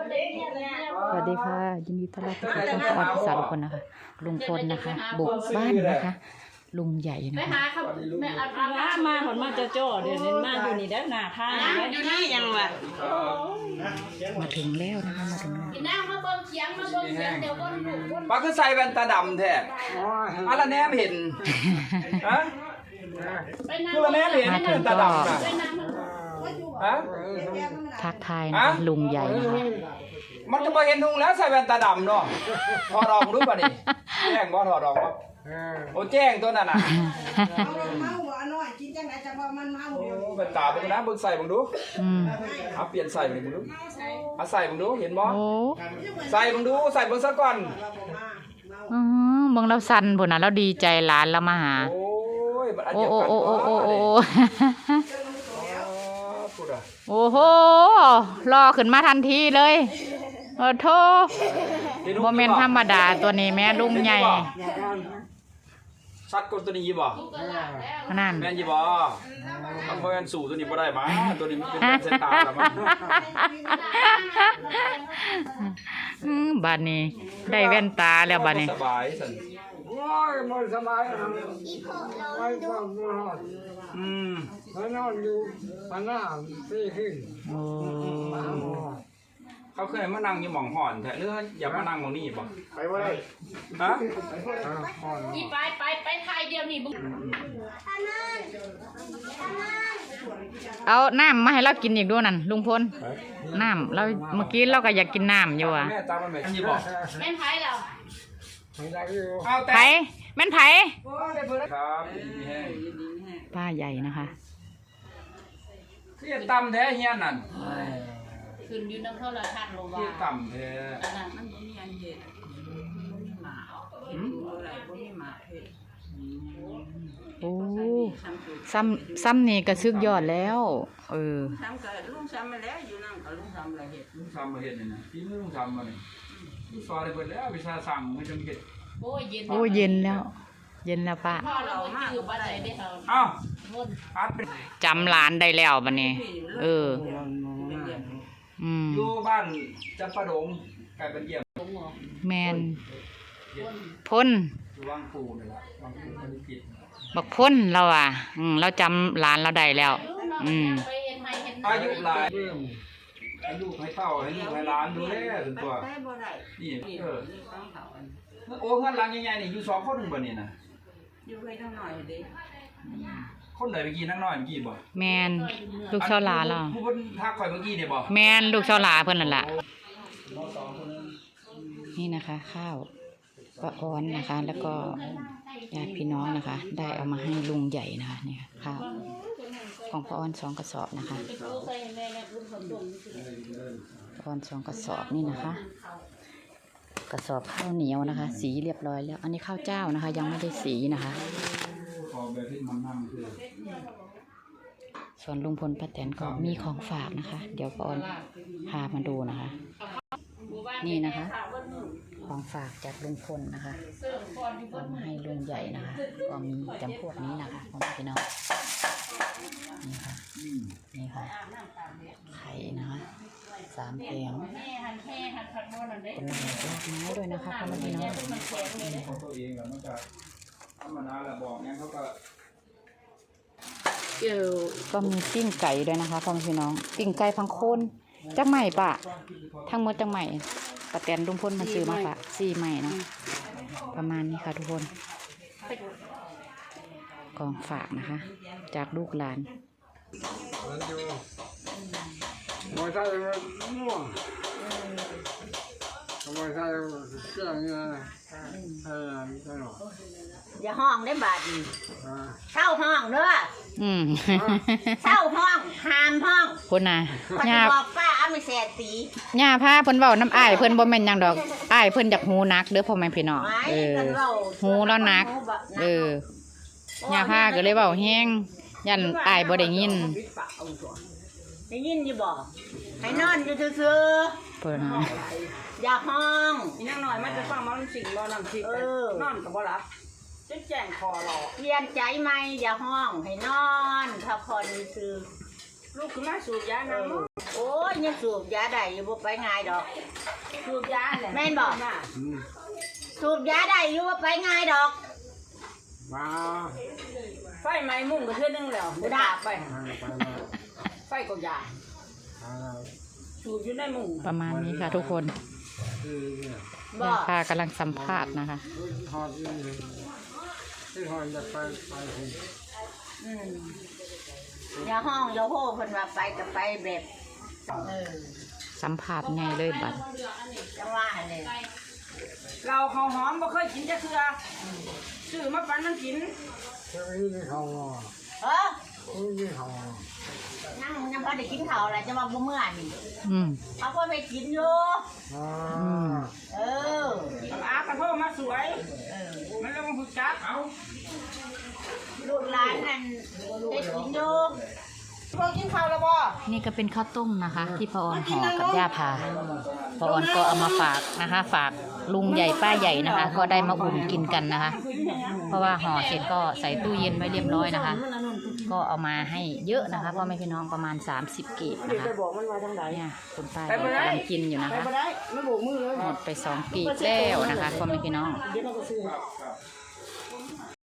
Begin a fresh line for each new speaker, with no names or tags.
สวัสดีค่ะยินดีต้อนรับทุกท่านเข้าสู่ช่องประวัติศาสตร์คนนะคะลุงพลนะคะบุกบ้านนะคะลุงใหญ่นะ
ไป
คะ
หาเขาแม่อามาผลมาจะจ่อเดี๋ยวนี้มาอยู่นี่ได้หน้าท่าอยู่นี่ยังวะ
มาถึงแล้วนะคะมาถึงแล้ว
น้ำมาเบิ่งเขียงมาเบิ่งเขียงเดี๋ยวคนดูคน
ปลาคือใส่แว่นตาดำแท้อะไรแนมเห็นฮะคือละแนมเห็นแว่นตาดำนะฮะ
ทักทายนะคะลุงใหญ่นะคะ
มันจะมาเห็นทุงแล้วใส่แว่นตาดำเนาะถอดออกรู้ป่ะนี่แจ้งบ่ถอดออกบ่โอ้แจ้งตัวนั้นน่ะแว่นตาเบิ่งนะเบิ่งใส่เบิ่งดูเอาเปลี่ยนใส่เบิ่งดูเอาใส่เบิ่งดูเห็นบ่
โอ้
ใส่เบิ่งดูใส่เบิ่งซะก่อน
เบิ่งเราสั่นพุ่นน่ะเราดีใจหลานเรามาหา
โอ้ยมันอัน
โอ้
เดียว
โอ้
กัน
โอ้โอ้โอ้โอ้
พูดอ่ะ
โอ้โหรอขึ้นมาทันทีเลยโอ้โธ่บ่แม่นธรรมดาตัวนี้แม่ลุงใหญ่
ชัดกว่าตัวนี้บ่
นั่น
แม่นยี่บ่มันบ่แม่นสู่ตัวนี้บ่ได้มาตัวนี้มันเป็นแว่นสายตาแล้วมัน
บัดนี้ได้แว่นตาแล้วบัดนี้
สบายสั่น
โอ้ยมันสบายนะไม่ต้องนอน
อืม
มันนอนอยู่มันหน้าตีขึ้น
โอ้
เขาเคยมานั่งอยู่หม่องห่อนแท้หรืออย่ามานั่งหม่องนี้บ่
ไปว่าไร
ฮะ
นี่ไปไทยเดียวนี่มึง
เอาน้ำมาให้เรากินอีกด้วยนั่นลุงพลน้ำเราเมื่อกี้เราก็อยากกินน้ำอยู่อ่ะ
แม่ตามมันแม่ยี่บ่
แม่นไทยแล้ว
ไม่ได้อยู่
เอาแต่
ไผแม่นไผ
ครับนี่แห้ง
ป้าใหญ่นะคะ
เสียต่ำแท้เฮียนั่น
ขึ้นอยู่น้ำโทรทัศน์โล
เสี
วาย
ต่ำแท้
อันนั้นมันบ่มีอันเฮ็ดหมาอะไรบ่มีหมาเฮ็ด
โอ้ซ้ำนี่ก็ซึกยอดแล้ว
ซ้ำก็ลุงซ้ำมาแล้วอยู่นั่นก็ลุงซ้ำละเฮ็ด
ลุงทำมาเฮ็ดนี่นะพี่มือลุงทำมานี่ลูกสอนได้เบิดแล้ววิชาสั่งมันจังเฮ็ด
โอ้ยเย็น
โอ้เย็นแล้ว เย็นแล้วป้า
พ่อเรามาอยู่บ่ได้ได้เฮา
เอ้า
วน
อัดเป็น
จำร้านได้แล้วบัดนี้
อยู่บ้านจำปาดงกลายเป็นเยี่ยม
แมนพ่น
อยู่วังปูนี่ล่ะวังปูผลิตกิจ
บักพ่นเราอ่ะเราจำร้านเราได้แล้ว
ไปเฮ็ดให้เฮ็ด
อายุหลายให้ลูกให้เต้าให้ลูกให้หลานดูแลจนตัว
ได้บ่ได้
นี่
นี่
เออ
นี่ต้องเขาอัน
โอ้เงินหลังใหญ่ๆนี่อยู่2คนบ่นี่น่ะ
อยู่ให้ทั้งหน่อยเด้
คนไหนเมื่อกี้นักน้อยเมื่อกี้บ่
แมนลูกเช้าหลาเรา
ผู้เพิ่นทักข่อยเมื่อกี้นี่บ่
แมนลูกเช้าหลาเพิ่นนั่นล่ะนี่นะคะ ข้าวปลาอ้อนนะคะ แล้วก็ญาติพี่น้องนะคะ ได้เอามาให้ลุงใหญ่นะคะเนี่ยข้าวของปลาอ้อน2 กระสอบนะคะปลาอ้อน2 กระสอบนี่นะคะ กระสอบข้าวเหนียวนะคะ สีเรียบร้อยแล้ว อันนี้ข้าวเจ้านะคะ ยังไม่ได้สีนะคะ
ขอแบบที่มันนั่งคือ
ส่วนลุงพลป้าแตนก็มีของฝากนะคะ เดี๋ยวปอนพามาดูนะคะ นี่นะคะ ของฝากจากลุงพลนะคะเอามาให้ลุงใหญ่นะคะ ก็มีจำพวกนี้นะคะของพี่น้องนี่ค่ะนี่ค่ะไข่นะคะ3 แผงเป็นลากไม้ด้วยนะคะพ่อแม่พี่น้อง
ของตัวเองแล้วมันก็ธรรมดาแหละบอกงั้นเขาก็
ก็มีปิ้งไก่ด้วยนะคะพ่อแม่พี่น้องปิ้งไก่พังโคนจักใหม่ปะทั้งหมดจักใหม่ป้าแตนลุงพลมาซื้อมาฝาก4 ใหม่เนาะประมาณนี้ค่ะทุกคนกองฝากนะคะ จากลูกหลาน
มันอยู่มอไซค์มันม่วงมอไซค์เครื่องเงี้ยตลอด
อย่าห้องได้บาดนี้เช่าห้องเด้อ เช่าห้องห้ามห้อง
พุ่นน่ะ
พอจะ
ย่า
บอกป้าเอาไม่แสตี
ย่าพาเพิ่นเว้าน้ำอ้ายเพิ่นบ่แม่นหยังดอกอ้ายเพิ่นอยากหูนักเด้อพ่อแม่พี่น้อง
ไว้กันเรา
หูแล้วนักย่าพาก็เลยเว้าแฮงยันอ้ายบ่ได้ยิน
ได้ยินอยู่บ่ให้นอนอยู่ซื่อ
เพิ่นน่ะ
ๆอย่าห้อง
อีนางน้อยมันจะฟังมันสิ่งบ่นำสิ่งนอนก็บ่หลับจะแจ้งคอรอ
เปลี่ยนใจไหมอย่าห้องให้นอนพักผ่อนซื่อ
ลูกขึ้นมาสูบยาน้ำ
โอ้อ้ยยังสูบยาได้อยู่บ่ไปง่ายดอกสูบยาแหละแม่นบอกสูบยาได้อยู่บ่ไปง่ายดอก
มา
ไฟไหม้มุ่งก็เทื่อนึงแล้วบ่ได้ไปไฟก็ยาสูบอยู่ในมุ้ง
ประมาณนี้ค่ะทุกคน
บ่
ค่ะกำลังสัมภาษณ์นะคะ
หอดที่หอดจะไปคุณ
อย่าห้องอย่าโห่เพิ่นว่าไปก็ไปแบบ
สัมภาษณ์ไงเลยบัด
จังว่าเลย
เราข้าวหอมบ่เคยกินจักเทื่อซื้อมาปันมันกิน
เจ้าอี้นี่เขา
เออ
นี่เขา
นั่งยังบ่ได้กินข้าวอะไรจะมาบ่เมื่อนี่
อืม
เอาคนไปกินอยู่ เออ
อากระโทรมาสวย มันเลยมาฝึกจัก
ลูกหลานนั่นได้กินอยู่พวกกินข้าวแล้วบ่
นี่ก็เป็นข้าวต้มนะคะ ที่พ่อออนห่อกับย่าพาพ่อออนก็เอามาฝากนะคะ ฝากลุงใหญ่ป้าใหญ่นะคะ ก็ได้มาอุ่นกินกันนะคะ เพราะว่าห่อเสร็จก็ใส่ตู้เย็นไว้เรียบร้อยนะคะ ก็เอามาให้เยอะนะคะพ่อแม่พี่น้องประมาณ30กีบนะคะ
ไปบอกมันมาทางไหน
เนี่ยคุณป้าก็กำลังกินอยู่นะ
ไป
คะ
บ่ได้ไม่โบกมือเลย
หมดไป2กีบแล้วนะคะพ่อแม่พี่น้อง
เดี๋ยวเราก็ซื้อ